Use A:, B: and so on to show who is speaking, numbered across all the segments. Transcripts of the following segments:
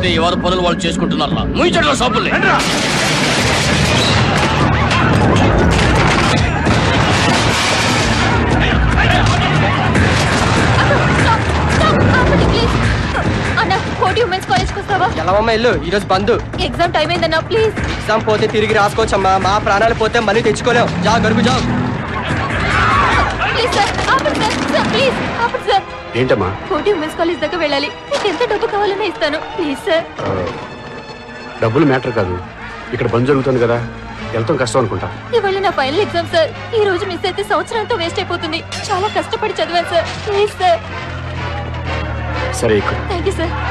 A: లేకపోతే ఎవరి పనులు వాళ్ళు చేసుకుంటున్నారా? ముయించట్ల షాపుల్ని.
B: ఎలావమ్మా ఇల్లు ఈరోజు బంద్.
C: ఎగ్జామ్ టైం అయిందన్నా ప్లీజ్.
B: ఎగ్జామ్ పోతే తిరిగి రాసుకోవచ్చమ్మా. మా ప్రాణాలు పోతే మళ్ళీ తెచ్చుకోలేం. జా గడుపు జా.
C: ప్లీజ్ సార్ ఆపండి సార్. సార్ ప్లీజ్ ఆపండి సార్.
D: ఏంటమ్మా?
C: కోటి ఉమెన్స్ కాలేజ్ దాకా వెళ్ళాలి. మీకు ఎంత డబ్బు కావాలన్నా ఇస్తాను ప్లీజ్ సార్.
D: డబ్బులు మ్యాటర్ కాదు, ఇక్కడ బంద్ జరుగుతుంది కదా, వెళ్తాం కష్టం అనుకుంటా.
C: ఇవాళ నా ఫైనల్ ఎగ్జామ్ సార్. ఈ రోజు మిస్ అయితే సంవత్సరంతో వేస్ట్ అయిపోతుంది. చాలా కష్టపడి చదివాను సార్. Please sir.
D: సరే ఇక్కడ.
C: Thank you sir.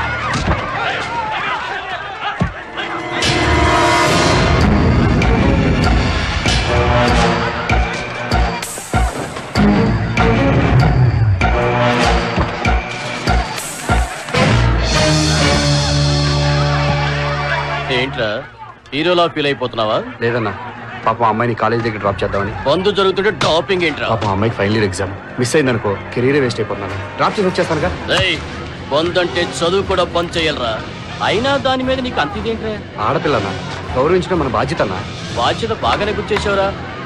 A: ఏంట్రా హీరోలా ఫీల్ అయిపోతున్నావా?
D: లేదన్నా, పాపం అమ్మాయిని కాలేజ్ దగ్గర డ్రాప్ చేద్దామని.
A: బంధు జరుగుతుంటే టాపింగ్ ఏంట్రా?
D: పాపం అమ్మాయికి ఫైనల్ ఇయర్ ఎగ్జామ్ మిస్ అయిందనుకో, కెరీర్ వేస్ట్ అయిపోతున్నాను. డ్రాప్ చేసి వచ్చేస్తానుగా.
A: బంద్ అంటే చదువు కూడా బంద్ చేయాలరా. అయినా దాని మీద నీకు అంత ఇదేంట్రా?
D: ఆడపిల్లన్నా, గౌరవించడం మన బాధ్యత అన్నా.
A: బాధ్యత బాగానే గుర్తు చేసావురా.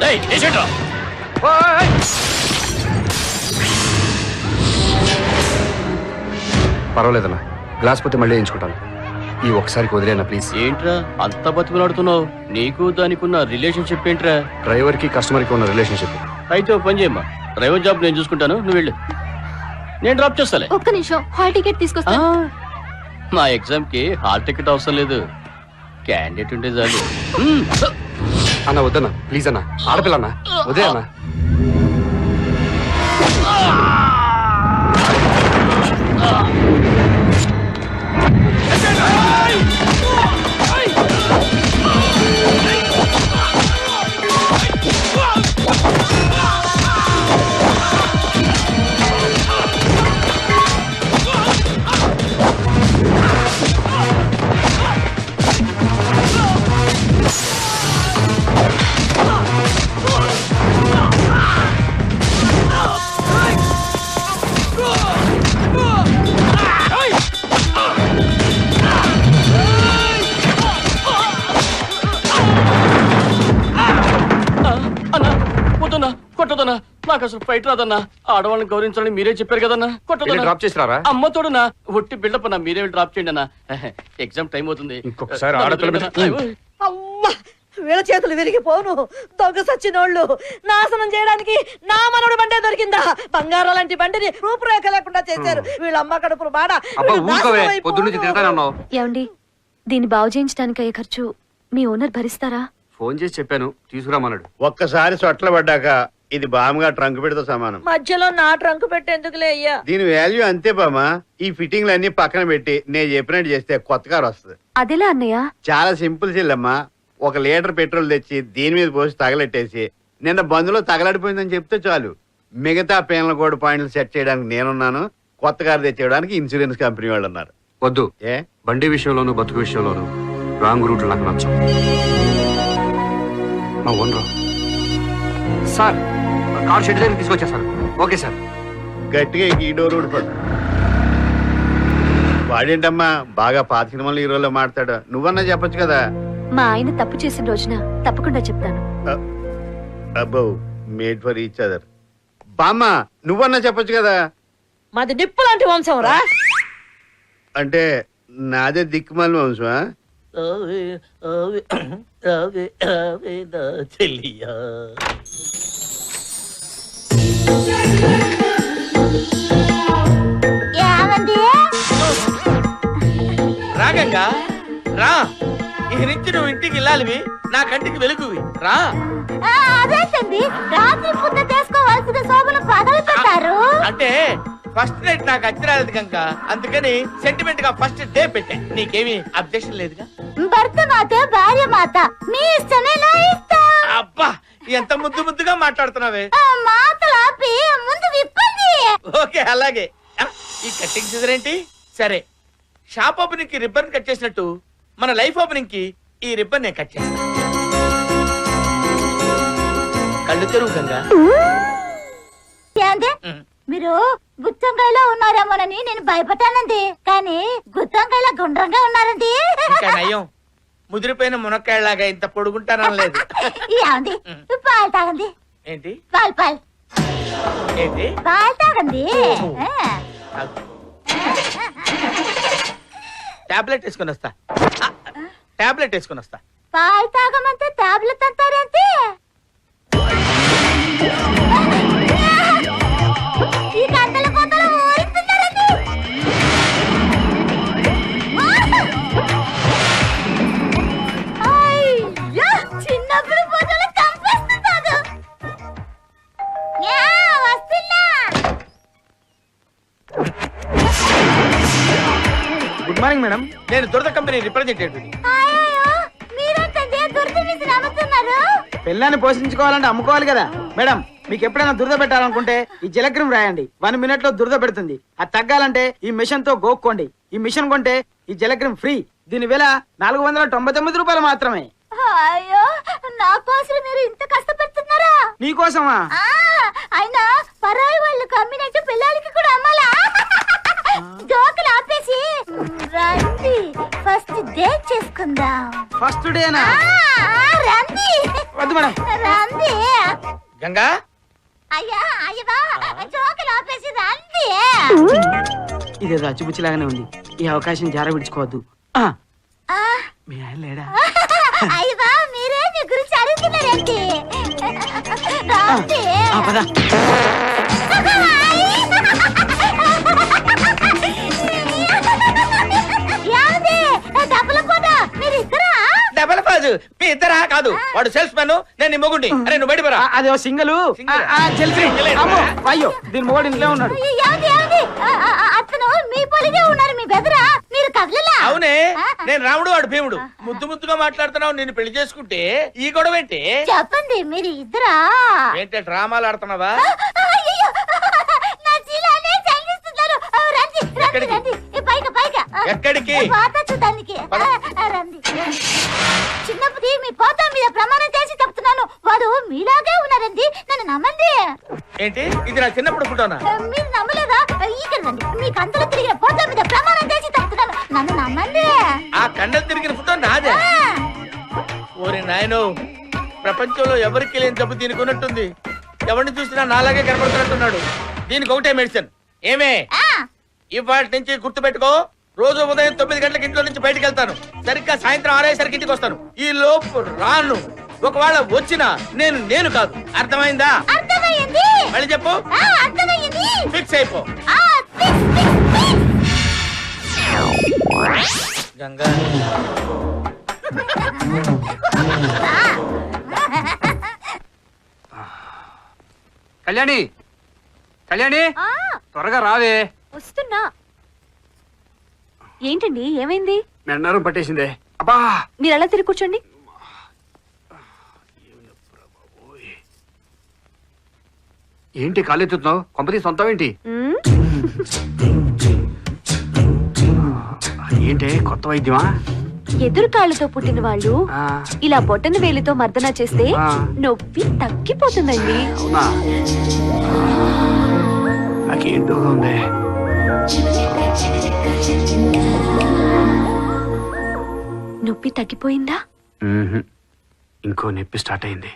D: పర్వాలేదన్నా, గ్లాస్ పోతే మళ్ళీ వేయించుకుంటాను. ఈ ఒక్కసారికి వదిలేనా ప్లీజ్.
A: ఏంట్రా అంత బతుకులాడుతున్నావు? నీకు దానికున్న రిలేషన్షిప్ ఏంట్రా?
D: డ్రైవర్ కి కస్టమర్ కి ఉన్న రిలేషన్షిప్.
A: అయితే ఓ పని చేయమ్మా, డ్రైవర్ జాబ్ నేను చూసుకుంటాను, నువ్వు వెళ్ళు, నేను డ్రాప్ చేస్తాలే.
C: ఒక్క నిమిషం, హాల్ టికెట్ తీసుకొస్తా.
A: మా ఎగ్జామ్ కి హాల్ టికెట్ అవసరం లేదు, క్యాండిడేట్ ఉంటే చాలు.
D: అన్న వద్దన్నా ప్లీజ్ అన్నా, ఆడపిల్లన్నా వదే అన్నా.
A: కొట్టదన్నా, నాకు అసలు ఫైట్ రాదన్నా. ఆడవాళ్ళని గౌరవించాలని మీరే చెప్పారు కదన్నా. కొట్టదన్నా,
D: డ్రాప్ చేసిరారా?
A: అమ్మ తోడునా, ఒట్టి బిల్డప్ అన్నా, మీరే డ్రాప్ చేయండి అన్నా. ఎగ్జామ్ టైం అవుతుంది.
D: ఇంకొకసారి
E: వీళ్ళ చేతులు విరిగిపోను. దొంగ సచ్చినోళ్ళు నాశనం చేయడానికి నా మనోడి బండే దొరికిందా? బంగారం లాంటి బండిని రూపురేఖ లేకుండా చేశారు. వీళ్ళ అమ్మ కడుపులు బాడ.
C: ఏమండి, దీన్ని బాగు చేయించడానికి అయ్యే ఖర్చు మీ ఓనర్ భరిస్తారా?
D: ఫోన్ చేసి చెప్పాను, తీసుకురామన్నాడు.
F: ఒక్కసారి సొట్ల పడ్డాక ఇది బామ్గా ట్రంక్ పెడితో సమానం.
E: మధ్యలో నా ట్రంక్ పెట్టేందుకులే అయ్యా.
F: దీని వాల్యూ అంతే బామా. ఈ ఫిట్టింగ్లు అన్ని పక్కన పెట్టి నేను చెప్పినట్టు చేస్తే కొత్త కారు వస్తుంది.
C: అదెలా అన్నయ్య?
F: చాలా సింపుల్ చెల్లమ్మా. 1 లీటర్ పెట్రోల్ తెచ్చి దీని మీద పోసి తగలెట్టేసి నిన్న బందులో తగలడిపోయిందని చెప్తే చాలు. మిగతా పేనల కోడ్ పాయింట్లు సెట్ చేయడానికి నేనున్నాను. కొత్త కారు తెచ్చేయడానికి ఇన్సూరెన్స్ కంపెనీ వాళ్ళు ఉన్నారు.
D: వద్దు,
F: ఏ
D: బండి విషయంలోను బతుకు విషయంలోను రాంగ్ రూట్ నాకు నచ్చం. మా ఓనర్ సార్ కార్ షెడ్ దగ్గర తీసుకొచ్చేసారు. Okay sir.
F: గట్టిగా ఈ డోర్ ఊడిపడు. వాడేంటమ్మా బాగా పాత సినిమాలు హీరోలో మాట్లాడు. నువ్వన్నా చెప్పొచ్చు కదా.
C: మా ఆయన తప్పు చేసిన రోజున తప్పకుండా చెప్తాను.
F: అబ్బో, మేడ్ ఫర్ ఈచ్ అదర్. బామ్మ నువ్వన్నా చెప్పొచ్చు కదా.
E: మాది నిప్పు లాంటి వంశం రా.
F: అంటే నాదే దిక్కుమాలి వంశమా?
G: రాగంగా రా, ఈ నుంచి నువ్వు ఇంటికి వెళ్ళాలివి, నా కంటికి వెలుగువి. రా.
C: అదేంటండి, రాత్రి పూట చేసుకోవాల్సిన శోభను పగలు పెట్టారు.
G: అంటే ఫస్ట్ నైట్ నాకు అచ్చిరాలేదు కనుక అందుకని సెంటిమెంట్ గా ఫస్ట్ డే పెట్టా. నీకేమి అబ్జెక్షన్ లేదుగా?
C: భర్త మాత భార్య మాత మీ ఇష్టమే నా ఇష్టం.
G: అబ్బా, ఎంత ముద్దు ముద్దుగా మాట్లాడుతున్నావే.
C: మాటలు ఆపి ముందు విప్పండి.
G: ఓకే అలాగే. ఈ కటింగ్ సీజన్ ఏంటి? సరే, షాప్ ఓపెనింగ్ కి రిబ్బన్ కట్ చేసినట్టు మన లైఫ్ ఓపెనింగ్ కి ఈ రిబ్బన్ నేను కట్ చేస్తాను. కళ్ళు తెరువు గంగా.
H: మీరు గుత్తంకాయలో ఉన్నారేమోనని నేను భయపడ్డానండి, కానీ గుత్తంకాయలా గుండ్రంగా ఉన్నారండి.
G: ఇంకా నయం, ముదిరిపోయిన మునక్కాయలాగా ఇంత పొడుగుంటానలేదు.
H: ఏమండి పాలు తాగండి.
G: ఏంటి
H: పాలు
G: ఏంటి
H: పాలు తాగండి.
G: టాబ్లెట్ వేసుకొని వస్తా. టాబ్లెట్ వేసుకొని వస్తా.
H: పాలు తాగమంటే టాబ్లెట్ అంటారేంటి? ఈ గంటల కోతలు ఊరిస్తున్నారండి. అయ్యో, చిన్నప్పుడు ఫోటోలు చంపేస్తున్నాడు. వస్తున్నా.
G: గుడ్ మార్నింగ్ మేడం, నేను దురద కంపెనీ రిప్రజెంటేటివ్.
H: మీరేంటండి దుర్ద మిషన్ అమ్ముతున్నారు?
I: పిల్లాన్ని పోషించుకోవాలంటే అమ్ముకోవాలి కదా మేడం. మీకు ఎప్పుడైనా దురద పెట్టాలనుకుంటే ఈ జలక్రీమ్ రాయండి, 1 minute లో దురద పెడుతుంది. అది తగ్గాలంటే ఈ మిషన్ తో గోక్కోండి. ఈ మిషన్ కొంటే ఈ జలక్రీమ్ ఫ్రీ. దీని విల 499 రూపాయలు మాత్రమే.
H: అయ్యో, నా కోసం మీరు ఇంత కష్టపడుతున్నారా?
I: నీకోసమా?
H: అయినా పరాయి వాళ్ళకి అమ్మినట్టు పిల్లలకి కూడా అమ్మాలా? జోకులు ఆపేసి రండి, ఫస్ట్ డేట్ చేసుకుందాం.
I: ఫస్ట్ డేనా?
H: రండి.
I: వద్దు మేడం.
H: రండి.
G: గంగా,
H: అయ్యా అయ్యా, జోకులు ఆపేసి రండి.
I: ఇదేదో అచ్చుపుచ్చిలాగానే ఉంది. ఈ అవకాశం జార విడుచుకోవద్దు. మీ ఆయన లేడా?
H: అయ్యా, మీరే మీ గురించి అడుగుతున్నారండి. రండి.
I: పద.
G: డబల్ ఫాజు మీ ఇద్దరా? కాదు, వాడు సేల్స్ మ్యాన్, నేను నీ మొగుండి. అరే నువ్వు బయట
I: అదే సింగల్. అయ్యో, దీని మొగడు ఇంట్లో ఉన్నాడు.
H: అతను మీ పొలిగే ఉన్నారు, మీ బెదరా. మీరు కదలలా?
G: అవునే, నేను రాముడు, వాడు భీముడు. ముద్దు ముద్దుగా మాట్లాడుతున్నావు. నేను పెళ్లి చేసుకుంటే ఈ గొడవ ఏంటి?
H: చెప్పండి, మీరు ఇద్దరా?
G: ఏంటి డ్రామాలు ఆడుతున్నావా?
H: అయ్యయ్యో, నా జీలానే చంగిస్తున్నారు. రండి రండి
G: ఎక్కడికి?
H: రండి. పైగా పైగా.
G: ఎక్కడికి?
H: పాత చూడడానికి. రండి. చిన్నప్పుడు మీ పోత మీద ప్రమాణం చేసి చెప్తున్నాను, వాడు మీలాగే ఉన్నారండి. నన్ను నమ్మండి.
G: ఏంటి ఇది? నా చిన్నప్పుడు ఫోటోనా?
H: మీరు నమ్మలేదా? ఇక్కడ రండి. మీ కంతలు తిరిగిన పోత మీద ప్రమాణం చేసి చెప్తున్నాను, నన్ను నమ్మండి.
G: ఆ కండలు తిరిగిన ఫోటో నాదే. ఓరి నాయనో, ప్రపంచంలో ఎవరికి లేని జబ్బు దీనికి ఉన్నట్టుంది. ఎవరిని చూసినా నాలాగే కనబడుతున్నట్టున్నాడు. దీనికి ఒకటే మెడిసిన్. ఏమే, ఇవాటి నుంచి గుర్తు పెట్టుకో. రోజు ఉదయం 9 గంటలకు ఇంట్లో నుంచి బయటకు వెళ్తాను. సరిగ్గా సాయంత్రం 6 అయ్యేసరికి ఇంటికి వస్తాను. ఈ లోపు రాను. ఒకవేళ వచ్చినా నేను కాదు. అర్థమైందా?
H: అర్థమైంది.
G: మళ్ళీ చెప్పు.
H: అర్థమైంది.
G: ఫిక్స్ అయిపో. గంగా,
D: కళ్యాణి, కళ్యాణి, త్వరగా రావే.
C: వస్తున్నా. ఏంటండి, ఏమైంది?
D: మెండారం పట్టేసిందే. అబ్బా,
C: మీరు ఎలా తిరిగి కూర్చోండి.
D: ఏంటి కాలెత్తుతున్నావు? కొంపతి సొంతం ఏంటి? ఏంటి కొత్త వైద్యమా?
C: ఎదురు కాళ్ళతో పుట్టిన వాళ్ళు
D: ఆ,
C: ఇలా బొట్టన వేలితో మర్దన చేస్తే
D: ఆ.
C: నొప్పి తగ్గిపోతుందండి.
D: అవునా? నాకేంటో ఉంది.
C: నొప్పి తగ్గిపోయిందా?
D: మ్మ్హ్. ఇంకో నొప్పి స్టార్ట్ అయింది.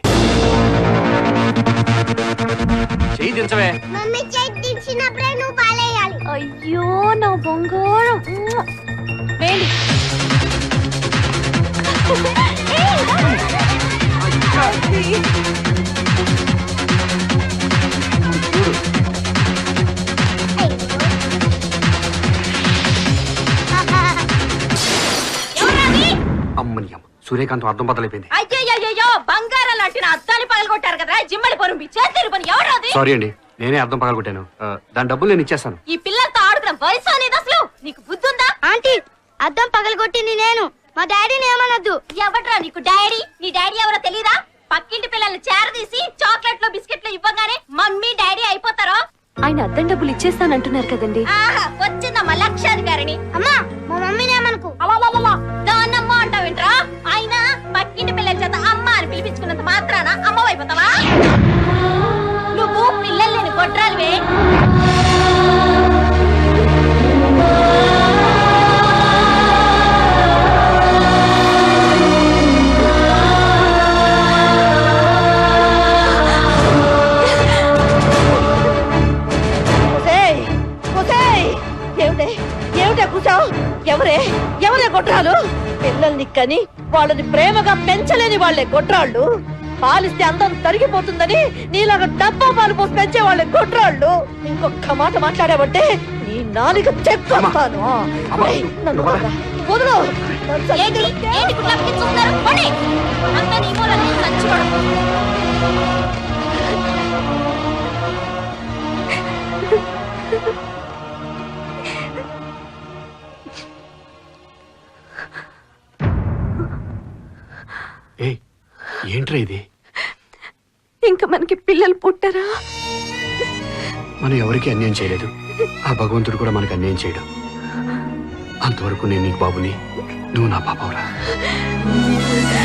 D: చెయ్యి దించవే.
H: మమ్మీ చేయించినప్పుడే నువ్వు పాలేయాలి.
C: అయ్యో నా బంగారం. వేలి.
D: అమ్మని అమ్మ, సూర్యకాంతం అర్థం బద్దలైపోయింది.
E: అయ్యో, బంగారం లాంటి నా అద్దాన్ని పగలగొట్టారు కదా, జిమ్మడి పొరుంపి చేతిరి పని. ఎవరది?
D: సారీ అండి, నేనే అర్థం పగలగొట్టాను. దాని డబ్బులు నేను ఇచ్చేస్తాను.
E: ఈ పిల్లలతో ఆడుతున్న వయసు అనేది అసలు నీకు బుద్ధుందా?
H: ఆంటీ, అద్దం పగలగొట్టింది నేను. మా డాడీని ఏమనొద్దు.
E: ఎవట్రా నీకు డాడీ? నీ డాడీ ఎవరో తెలీదా? పక్కింటి పిల్లల్ని చేరదీసి చాక్లెట్లు బిస్కెట్లు ఇవ్వగానే మమ్మీ డాడీ అయిపోతారో?
C: ఆయన అద్దం డబ్బులు ఇచ్చేస్తానంటున్నారు కదండి.
E: ఆహా, వచ్చిందమ్మా లక్షాధికారిని.
H: అమ్మా, మా మమ్మీని ఏమనుకు.
E: దాన్నమ్మ అంటావేంట్రా? ఆయన పక్కింటి పిల్లల చేత అమ్మ అని పిలిపించుకున్నంత మాత్రాన అమ్మ అయిపోతావా? నువ్వు పిల్లలు లేని గొడ్రాలివే. కని వాళ్ళని ప్రేమగా పెంచలేని వాళ్ళే గొడ్రాళ్ళు. పాలిస్తే అందం తరిగిపోతుందని నీలాగా డబ్బా పాలు పోసి పెంచే వాళ్ళే గొడ్రాళ్ళు. ఇంకొక మాట మాట్లాడావంటే నీ నాలుక చెప్తాను. నన్ను వదలు.
H: ఏంటి ఏంటి గుడ్లప్పకి చూస్తున్నారు? పోనీ. అంతా నీ మూలనే చచ్చిపోడు.
D: ఏయ్, ఏంట్రా ఇది?
C: ఇంకా మనకి పిల్లలు పుట్టరా?
D: మనం ఎవరికి అన్యాయం చేయలేదు. ఆ భగవంతుడు కూడా మనకి అన్యాయం చేయడు. అంతవరకు నేను నీకు బాబుని, నువ్వు నా పాపవరా.